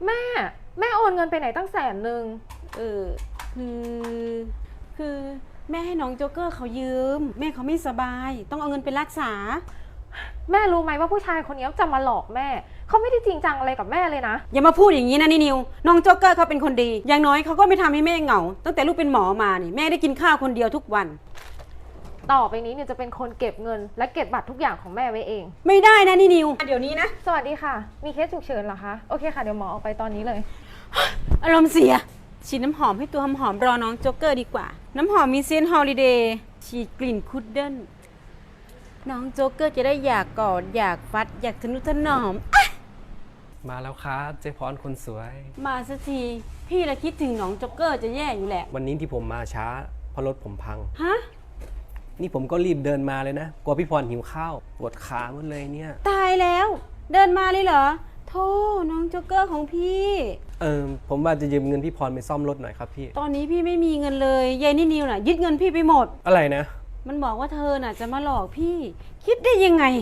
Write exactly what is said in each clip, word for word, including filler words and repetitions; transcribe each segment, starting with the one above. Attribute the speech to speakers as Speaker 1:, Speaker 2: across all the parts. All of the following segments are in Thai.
Speaker 1: แม่แม่โอนเงินไปไหนตั้งแสนหนึ่ง
Speaker 2: เออคือคือแม่ให้น้องโจ๊กเกอร์เขายืมแม่เขาไม่สบายต้องเอาเงินไปรักษา
Speaker 1: แม่รู้ไหมว่าผู้ชายคนนี้จะมาหลอกแม่เขาไม่ได้จริงจังอะไรกับแม่เลยนะ
Speaker 2: อย่ามาพูดอย่างนี้นะนี่นิวน้องโจ๊กเกอร์เขาเป็นคนดีอย่างน้อยเขาก็ไม่ทำให้แม่เหงาตั้งแต่ลูกเป็นหมอมานี่แม่ได้กินข้าวคนเดียวทุกวัน
Speaker 1: ต่อไปนี้เนี่ยจะเป็นคนเก็บเงินและเก็บบัตรทุกอย่างของแม่ไว้เอง
Speaker 2: ไม่ได้นะนี่นิวเดี๋ยวนี้นะ
Speaker 1: สวัสดีค่ะมีเคสฉุกเฉินเหรอคะโอเคค่ะเดี๋ยวหมอออกไปตอนนี้เลย
Speaker 2: อารมณ์เสียฉีดน้ำหอมให้ตัวหอมๆรอน้องโจ๊กเกอร์ดีกว่าน้ำหอมมีเซนต์ฮอลิเดย์ฉีดกลิ่นคุดเดิลน้องโจ๊กเกอร์จะได้อยากกอดอยากฟัดอยากทนุถนอม
Speaker 3: มาแล้วครับเจ๊พรคนสวย
Speaker 2: มาสักทีพี่ละคิดถึงน้องโจ๊กเกอร์จะแย่อยู่แหละ
Speaker 3: วันนี้ที่ผมมาช้าเพราะรถผมพัง
Speaker 2: ฮะ
Speaker 3: นี่ผมก็รีบเดินมาเลยนะกลัวพี่พรหิวข้าวปวดขาหมดเลยเนี่ย
Speaker 2: ตายแล้วเดินมาเลยเหรอโธ่น้องโจ๊กเกอร์ของพี่
Speaker 3: เออผมว่าจะยืมเงินพี่พรไปซ่อมรถหน่อยครับพี่
Speaker 2: ตอนนี้พี่ไม่มีเงินเลยยายนี่นิวน่ะยึดเงินพี่ไปหมด
Speaker 3: อะไรนะ
Speaker 2: มันบอกว่าเธอน่ะจะมาหลอกพี่คิดได้ยังไง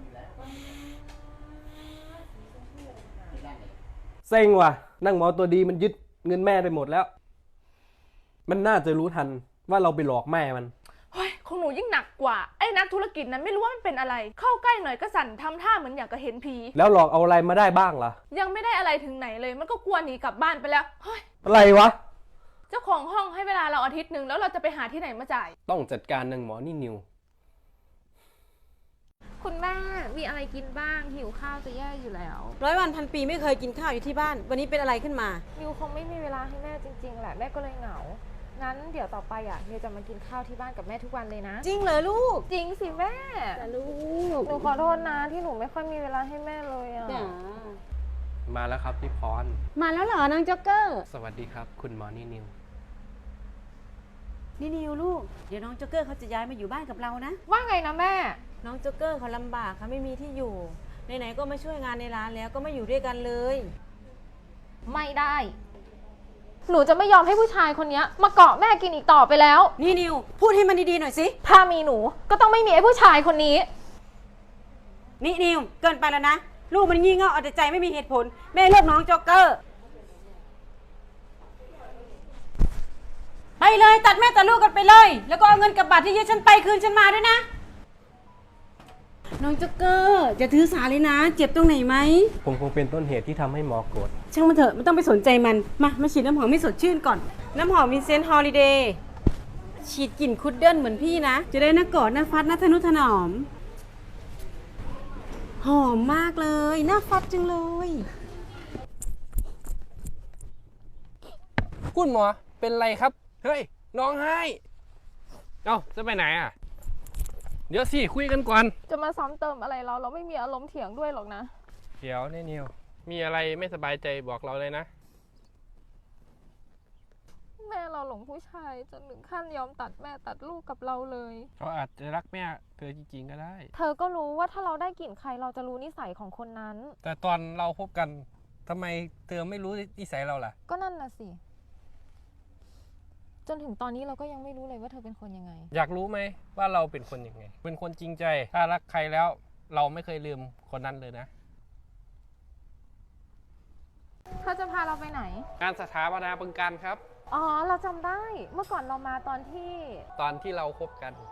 Speaker 3: เซ็งว่ะนั่งหมอตัวดีมันยึดเงินแม่ไปหมดแล้วมันน่าจะรู้ทันว่าเราไปหลอกแม่มัน
Speaker 4: เฮ้ยของหนูยิ่งหนักกว่าไอ้นักธุรกิจนั้นไม่รู้ว่ามันเป็นอะไรเข้าใกล้หน่อยก็สั่นทำท่าเหมือนอยากจะเห็นผี
Speaker 3: แล้วหลอกเอาอะไรมาได้บ้างล่ะ
Speaker 4: ยังไม่ได้อะไรถึงไหนเลยมันก็กลัวหนีกลับบ้านไปแล้วเฮ้ย
Speaker 3: อะไรวะ
Speaker 4: เจ้าของห้องให้เวลาเราอาทิตย์หนึ่งแล้วเราจะไปหาที่ไหนมาจ่าย
Speaker 3: ต้องจัดการนางหมอนี่นิว
Speaker 1: คุณแม่มีอะไรกินบ้างหิวข้าวจะแย่อยู่แล้ว
Speaker 2: ร้อยวันพันปีไม่เคยกินข้าวอยู่ที่บ้านวันนี้เป็นอะไรขึ้นมา
Speaker 1: นิวคงไม่มีเวลาให้แม่จริงๆแหละแม่ก็เลยเหงางั้นเดี๋ยวต่อไปอ่ะนิวจะมากินข้าวที่บ้านกับแม่ทุกวันเลยนะ
Speaker 2: จริงเหรอลูก
Speaker 1: จริงสิแม่
Speaker 2: แต่ลูก
Speaker 1: หนูขอโทษนะที่หนูไม่ค่อยมีเวลาให้แม่เลยอ่ะ
Speaker 3: มาแล้วครับพี่พร
Speaker 2: มาแล้วเหรอน้องจ็อกเกอร์
Speaker 3: สวัสดีครับคุณหมอนี่นิว
Speaker 2: นี่นิวลูกเดี๋ยวน้องจ็อกเกอร์เขาจะย้ายมาอยู่บ้านกับเรานะ
Speaker 1: ว่าไงนะแม่
Speaker 2: น้องจ็อกเกอร์เขาลำบากเขาไม่มีที่อยู่ไหนๆก็มาช่วยงานในร้านแล้วก็มาอยู่ด้วยกันเลย
Speaker 1: ไม่ได้หนูจะไม่ยอมให้ผู้ชายคนนี้มาเกาะแม่กินอีกต่อไปแล้ว
Speaker 2: นี่นิวพูดให้มันดีๆหน่อยสิ
Speaker 1: ถ้ามีหนูก็ต้องไม่มีไอ้ผู้ชายคนนี้
Speaker 2: นี่นิวเกินไปแล้วนะลูกมันงี่เง่าเอาแต่ใจไม่มีเหตุผลแม่เลือกน้องจ็อกเกอร์ไปเลยตัดแม่ตัดลูกกันไปเลยแล้วก็เอาเงินกับบัตรที่ยึดฉันไปคืนฉันมาด้วยนะน้องจ็อกเกอร์จะถือสาเลยนะเจ็บตรงไหนไหม
Speaker 3: ผมคงเป็นต้นเหตุที่ทำให้หมอโกรธ
Speaker 2: ช่างมันเถอะไม่ต้องไปสนใจมันมามาฉีดน้ำหอมให้สดชื่นก่อนน้ำหอมวินเซนต์ฮอลิเดย์ฉีดกลิ่นคุดเดิลเหมือนพี่นะจะได้น่ากอดน่าฟัดน่าทนุถนอมหอมมากเลยน่าฟัดจังเลย
Speaker 3: คุณหมอเป็นไรครับเฮ้ยน้องให้เอ้าจะไปไหนอ่ะเดี๋ยวสิคุยกันก่อน
Speaker 1: จะมาซ้ำเติมอะไรเราเราไม่มีอารมณ์เถียงด้วยหรอกนะ
Speaker 3: เดี๋ยวนี่นิวมีอะไรไม่สบายใจบอกเราเลยนะ
Speaker 1: แม่เราหลงผู้ชายจนถึงขั้นยอมตัดแม่ตัดลูกกับเราเลย
Speaker 3: เขาอาจจะรักแม่เธอจริงๆก็ได้
Speaker 1: เธอก็รู้ว่าถ้าเราได้กลิ่นใครเราจะรู้นิสัยของคนนั้น
Speaker 3: แต่ตอนเราพบกันทำไมเธอไม่รู้นิสัยเราล่ะ
Speaker 1: ก็นั่นน่ะสิจนถึงตอนนี้เราก็ยังไม่รู้เลยว่าเธอเป็นคนยังไง
Speaker 3: อยากรู้ไหมว่าเราเป็นคนยังไงเป็นคนจริงใจถ้ารักใครแล้วเราไม่เคยลืมคนนั้นเลยนะ
Speaker 1: เธอจะพาเราไปไหน
Speaker 3: งานสถาปนาบึงการครับ
Speaker 1: อ๋อเราจำได้เมื่อก่อนเรามาตอนที่
Speaker 3: ตอนที่เราคบกัน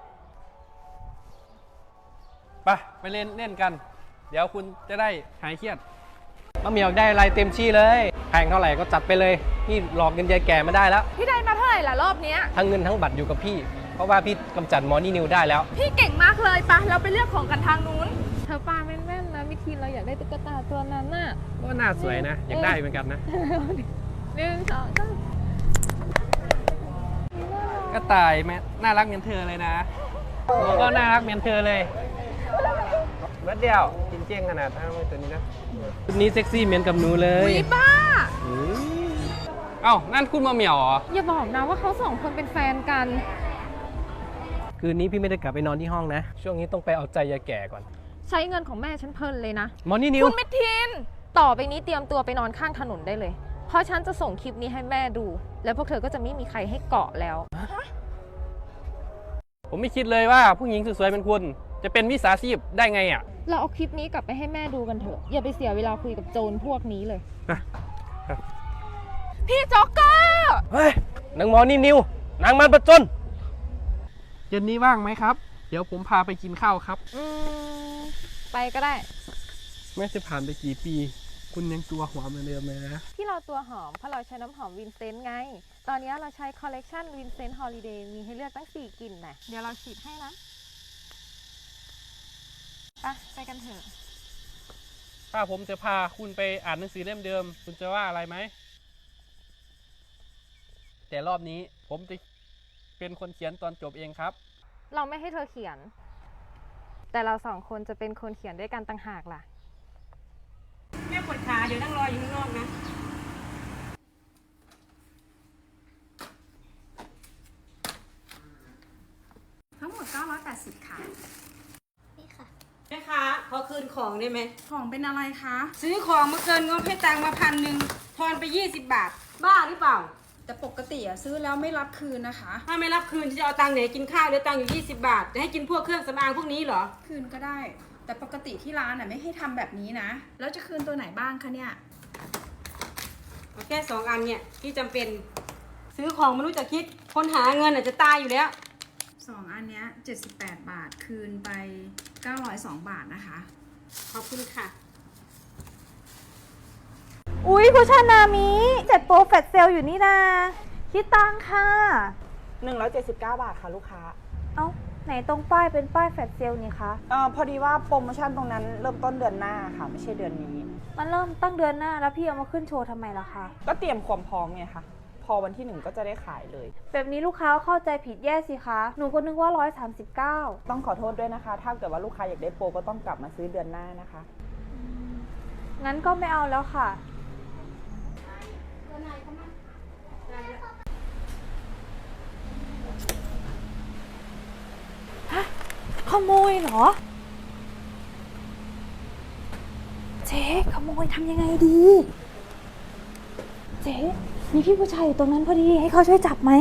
Speaker 3: ไปไปเล่นเล่นกันเดี๋ยวคุณจะได้หายเครียดมะเหมียวได้อะไรเต็มที่เลยแพงเท่าไหร่ก็จัดไปเลยนี่หลอกเงินยายแก่มาได้แล้ว
Speaker 4: พี่ได้มาเท่าไหร่ล่ะรอบนี้
Speaker 3: ทั้งเงินทั้งบัตรอยู่กับพี่เพราะว่าพี่กำจัดหมอนี่นิวได้แล้ว
Speaker 4: พี่เก่งมากเลยปะเราไปเลือกของกันทางนู้น
Speaker 1: เธอปาแม่นๆนะมิทีเราอยากได้ตุ๊กตาตัวนั้นน่ะ
Speaker 3: ก็น่าสวยนะอยากได้เหมือนกันนะ
Speaker 1: หนึ่งสองสาม
Speaker 3: ก็ตายแม่น่ารักเหมือนเธอเลยนะหนูก็น่ารักเหมือนเธอเลยเบิดเดียวจริงเจียงขนาดนั้นตัวนี้นะชุดนี้เซ็กซี่เหมือนกับหนูเลย
Speaker 4: อุ๊ยป้า
Speaker 3: เอ้านั่นคุณมาเหมียวเหรอ
Speaker 1: อย่าบอกนะว่าเขาสองคนเป็นแฟนกัน
Speaker 3: คืนนี้พี่ไม่ได้กลับไปนอนที่ห้องนะช่วงนี้ต้องไปเอาใจยายแก่ก่อน
Speaker 1: ใช้เงินของแม่ฉันเพลินเลยนะ
Speaker 3: มอนี่นิว
Speaker 4: คุณมิทิน
Speaker 1: ต่อไปนี้เตรียมตัวไปนอนข้างถนนได้เลยเพราะฉันจะส่งคลิปนี้ให้แม่ดูแล้วพวกเธอก็จะไม่มีใครให้เกาะแล้ว
Speaker 3: ผมไม่คิดเลยว่าผู้หญิงสวยๆเป็นคุณจะเป็นวิสาชีพได้ไงอ่ะ
Speaker 1: เราเอาคลิปนี้กลับไปให้แม่ดูกันเถอะอย่าไปเสียเวลาคุยกับโจรพวกนี้เลย
Speaker 4: พี่โจ๊กเกอร์
Speaker 3: เฮ้ยนางหมอนี่นิวนางมันประจนเย็นนี้ว่างไหมครับ เดี๋ยวผมพาไปกินข้าวครับ
Speaker 1: อืม ไปก็ได้
Speaker 3: แม้จะผ่านไปกี่ปี คุณยังตัวหอมเหมือนเดิมเลยนะ
Speaker 1: ที่เราตัวหอมเพราะเราใช้น้ำหอมวินเซนต์ไง ตอนนี้เราใช้คอลเลกชันวินเซนต์ฮอลิเดย์มีให้เลือกตั้งสี่กลิ่นนะเดี๋ยวเราฉีดให้นะไปไปกันเถอะ
Speaker 3: ถ้าผมจะพาคุณไปอ่านหนังสือเล่มเดิม คุณจะว่าอะไรไหม แต่รอบนี้ผมจะเป็นคนเขียนตอนจบเองครับ
Speaker 1: เราไม่ให้เธอเขียน แต่เราสองคนจะเป็นคนเขียนด้วยกันต่างหากล่ะ
Speaker 2: แม่ปวดขาเดี๋ยวนั่งรออยู่ข้างนอกนะ
Speaker 5: ทั้งหมดเก้าร้อยแปดสิบค่ะ
Speaker 6: นี่ค่ะ
Speaker 2: แม่ค้าขอคืนของได้ไหม
Speaker 5: ของเป็นอะไรคะ
Speaker 2: ซื้อของมาเกินงบให้ตังค์มาพันหนึ่งทอนไปยี่สิบบาท บ้าหรือเปล่า
Speaker 5: แต่ปกติอะซื้อแล้วไม่รับคืนนะคะ
Speaker 2: ถ้าไม่รับคืนจะเอาตังค์ไหนกินข้าวเหลือตังค์อยู่ยี่สิบบาท จะให้กินพวกเครื่องสำอางพวกนี้เหรอ
Speaker 5: คืนก็ได้ แต่ปกติที่ร้านอะไม่ให้ทำแบบนี้นะ แล้วจะคืนตัวไหนบ้างคะเนี่ย
Speaker 2: เอาแค่สองอันเนี่ยที่จำเป็น ซื้อของไม่รู้จะคิด คนหาเงินอาจจะตายอยู่แล้ว
Speaker 5: สองอันเนี้ยเจ็ดสิบแปดบาท คืนไปเก้าร้อยสองบาทนะคะ
Speaker 2: ขอบคุณค่ะ
Speaker 7: อุ๊ยผู้ชายนามิเจ็ดโปรแฟตเซลอยู่นี่นาคิดตังค่ะ
Speaker 8: หนึ่งร้อยเจ็ดสิบเก้า บาทค่ะลูกค้า
Speaker 7: เอ้า ไหนตรงป้ายเป็นป้ายแฟตเซลนี่คะ
Speaker 8: เอ่อพอดีว่าโปรโมชั่นตรงนั้นเริ่มต้นเดือนหน้าค่ะ ไม่ใช่เดือนนี้
Speaker 7: มันเริ่มตั้งเดือนหน้าแล้วพี่เอามาขึ้นโชว์ทำไมล่ะคะ
Speaker 8: ก็เตรียมความพร้อมไงคะพอวันที่หนึ่งก็จะได้ขายเลย
Speaker 7: แบบนี้ลูกค้าเข้าใจผิดแย่สิคะ หนูก็นึกว่าร้อยสามสิบเก้า
Speaker 8: ต้องขอโทษด้วยนะคะ ถ้าเกิดว่าลูกค้าอยากได้โปรก็ต้องกลับมาซื้อเดือนหน้านะคะ
Speaker 7: งั้นก็ไม่เอาแล้วค่ะ ฮะ ขโมยเหรอ เจ๊ขโมยทำยังไงดี เจ๊มีพี่ผู้ชายอยู่ตรงนั้นพอดีให้เขาช่วยจับไหม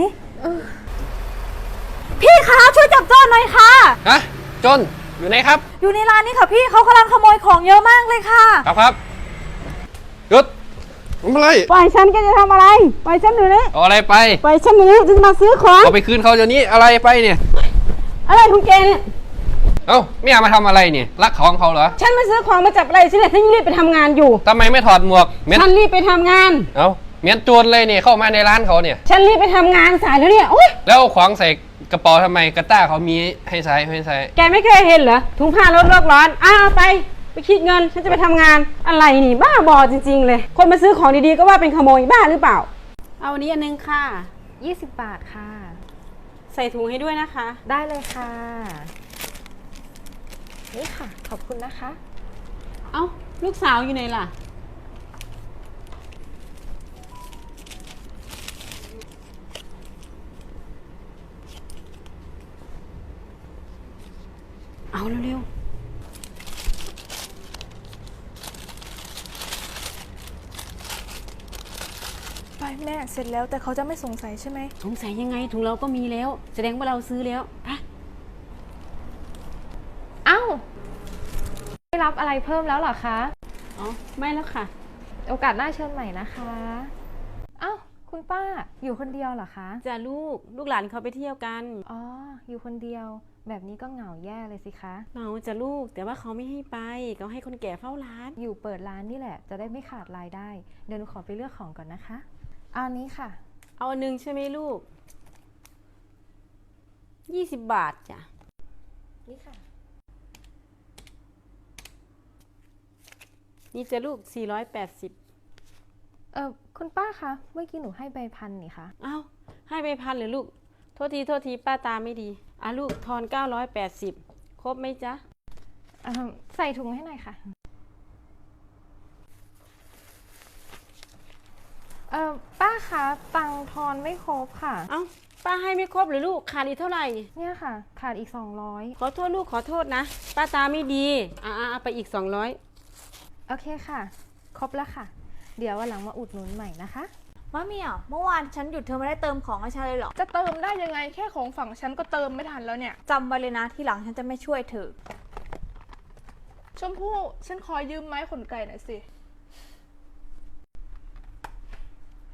Speaker 7: พี่คะช่วยจับโจรหน่อยค่ะ
Speaker 3: ฮะ จน อยู่ไหนครับ
Speaker 7: อยู่ในร้านนี้ค่ะพี่เขากำลังขโมยของเยอะมากเลยค่ะ
Speaker 3: ครับครับหยุดทำอะไร
Speaker 2: ปล่อยฉันแกจะทำอะไร ปล่อยฉันหนูนี่
Speaker 3: เอาอะไรไป
Speaker 2: ปล่อยฉันหนูนี่จะมาซื้อของ
Speaker 3: เอาไปคืนเขาเดี๋ยวนี้อะไรไปเนี่ย
Speaker 2: อะไรของแกเนี่ย
Speaker 3: เอ้าไม่อยากมาทำอะไรเนี่ยรักของเขาเหรอ
Speaker 2: ฉันมาซื้อของมาจับอะไรฉันเนี่ยฉันรีบไปทำงานอยู่
Speaker 3: ทำไมไม่ถอดหมวกเม้น
Speaker 2: ฉันรีบไปทำงาน
Speaker 3: เอ้าเม้นโจรเลยเนี่ยเข้ามาในร้านเขาเนี่ย
Speaker 2: ฉันรีบไปทำงานสายแล้วเนี่ยโอ๊ย
Speaker 3: แล้วเอาของใส่กระเป๋าทำไมกระต้าเขามีให้ใส่ให้ใส่
Speaker 2: แกไม่เคยเห็นเหรอถุงผ้าลดโลกร้อนอ้าวไปไปคิดเงินฉันจะไปทำงานอะไรนี่บ้าบอจริงๆเลย คนมาซื้อของดีๆก็ว่าเป็นขโมยบ้าหรือเปล่า เอาอันนี้อันนึงค่ะ
Speaker 1: ยี่สิบบาทค่ะ
Speaker 2: ใส่ถุงให้ด้วยนะคะ
Speaker 1: ได้เลยค่ะ นี่ค่ะ ขอบคุณนะคะ
Speaker 2: เอ้าลูกสาวอยู่ไหนล่ะ เอาเร็ว
Speaker 5: ไปแม่เสร็จแล้วแต่เขาจะไม่สงสัยใช่ไหม
Speaker 2: ๆสงสัยยังไงถุงเราก็มีแล้ว แสดงว่าเราซื้อแล้วไป
Speaker 1: เอ้าไม่รับอะไรเพิ่มแล้วเหรอคะ
Speaker 2: อ๋อไม่แล้วค่ะ
Speaker 1: โอกาสหน้าเชิญใหม่นะคะ เอ้าคุณป้าอยู่คนเดียวเหรอคะ
Speaker 2: จะลูกลูกหลานเขาไปเที่ยวกัน
Speaker 1: อ๋อ อยู่คนเดียว แบบนี้ก็เหงาแย่เลยสิคะ
Speaker 2: เราจะลูกแต่ว่าเขาไม่ให้ไปเขาให้คนแก่เฝ้าร้าน
Speaker 1: อยู่เปิดร้านนี่แหละ จะได้ไม่ขาดรายได้ เดี๋ยวหนูขอไปเลือกของก่อนนะคะเอาอันนี้ค่ะ
Speaker 2: เอาอันหนึงใช่ไหมลูกยี่สิบบาทจ้ะ
Speaker 1: นี่ค่ะ
Speaker 2: นี่จะลูกสี่ร้อยแปดสิบ
Speaker 1: เออคุณป้าคะเมื่อกี้หนูให้ใบพันนี่คะ
Speaker 2: อ้าวให้ไปพันเลยลูกโทษทีโทษทีป้าตาไม่ดีอ่ะลูกทอนเก้าร้อยแปดสิบครบไหมจ๊ะ
Speaker 1: เอ่อใส่ถุงให้หน่อยค่ะ เออป้าคะตังค์ทอนไม่ครบค่ะ
Speaker 2: เอ้าป้าให้ไม่ครบเลยลูกขาดอีกเท่าไหร่
Speaker 1: เนี่ยค่ะ ขาดอีกสองร้อย
Speaker 2: ขอโทษลูกขอโทษนะป้าตาไม่ดีอ่ะอ่ะเอาไปอีกสองร้อย
Speaker 1: โอเคค่ะ ครบแล้วค่ะ เดี๋ยววันหลังมาอุดหนุนใหม่นะคะ
Speaker 7: มะเหมี่ยวเมื่อวานฉันหยุดเธอไม่ได้เติมของให้ฉันเลยเหรอ
Speaker 4: จะเติมได้ยังไงแค่ของฝั่งฉันก็เติมไม่ทันแล้วเนี่ย
Speaker 7: จำไว้เลยนะที่หลังฉันจะไม่ช่วยเธอ
Speaker 4: ชมพู่ฉันขอยืมไม้ขนไก่หน่อยสิ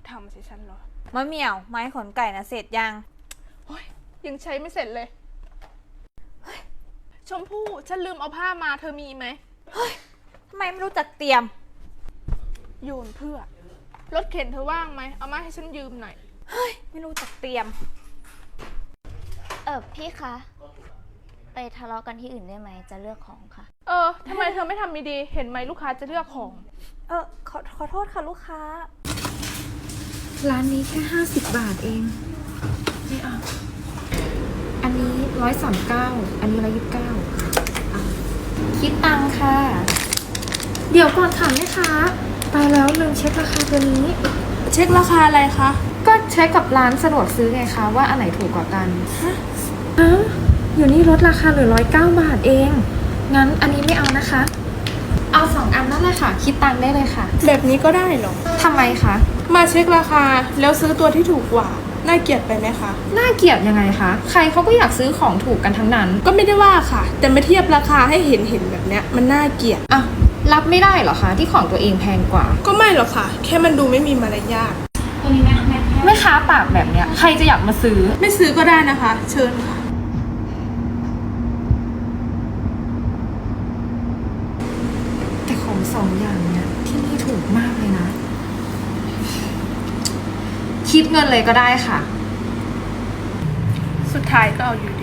Speaker 4: ทำสิฉันเหรอ
Speaker 7: มะเหมี่ยว ไม้ขนไก่นะเสร็จยัง
Speaker 4: โอ้ยยังใช้ไม่เสร็จเลยเฮ้ยชมพู่ฉันลืมเอาผ้ามาเธอมีไหม
Speaker 7: ทำไมไม่รู้จักเตรียม
Speaker 4: โยนเพื่อ รถเข็นเธอว่างไหม เอามาให้ฉันยืมหน่อย
Speaker 7: ไม่รู้จักเตรียม
Speaker 6: เออพี่คะ ไปทะเลาะกันที่อื่นได้ไหมจะเลือกของค่ะ
Speaker 4: เออทำไมเธอไม่ทำดีๆเห็นไหมลูกค้าจะเลือกของ
Speaker 7: เออขอขอโทษค่ะลูกค้า
Speaker 5: ร้านนี้แค่ห้าสิบบาทเองไม่เอาอันนี้ร้อยสามเก้าอันนี้ร้อยยี่สิบเก้าคิดตังค่ะ เดี๋ยวก่อนค่ะแม่ค้าตายแล้วลืมเช็คราคาตัวนี้
Speaker 4: เช็คราคาอะไรคะ
Speaker 5: ก็เช็คกับร้านสะดวกซื้อไงคะว่าอันไหนถูกกว่ากันฮะอ้าวอยู่นี่ลดราคาเหลือร้อยเก้าบาทเอง งั้นอันนี้ไม่เอานะคะ เอาสองอันนั่นเลยค่ะ คิดตังค์ได้เลยค่ะ
Speaker 4: แบบนี้ก็ได้เหรอ
Speaker 5: ทำไมคะ
Speaker 4: มาเช็คราคาแล้วซื้อตัวที่ถูกกว่า น่าเกลียดไปไหมคะ
Speaker 5: น่าเกลียดยังไงคะ ใครเขาก็อยากซื้อของถูกกันทั้งนั้น
Speaker 4: ก็ไม่ได้ว่าค่ะ แต่มาเทียบราคาให้เห็นเห็นแบบเนี้ยมันน่าเกลียด
Speaker 5: อ่ะ รับไม่ได้เหรอคะที่ของตัวเองแพงกว่า
Speaker 4: ก็ไม่หรอกค่ะ แค่มันดูไม่มีมารยาท
Speaker 5: แม่ค้าปากแบบเนี้ยใครจะอยากมาซื้อ
Speaker 4: ไม่ซื้อก็ได้นะคะ เชิญค่ะ
Speaker 5: แต่ของสองอย่างเนี้ยที่นี่ถูกมากเลยนะ คิดเงินเลยก็ได้ค่ะ
Speaker 4: สุดท้ายก็เอาอยู่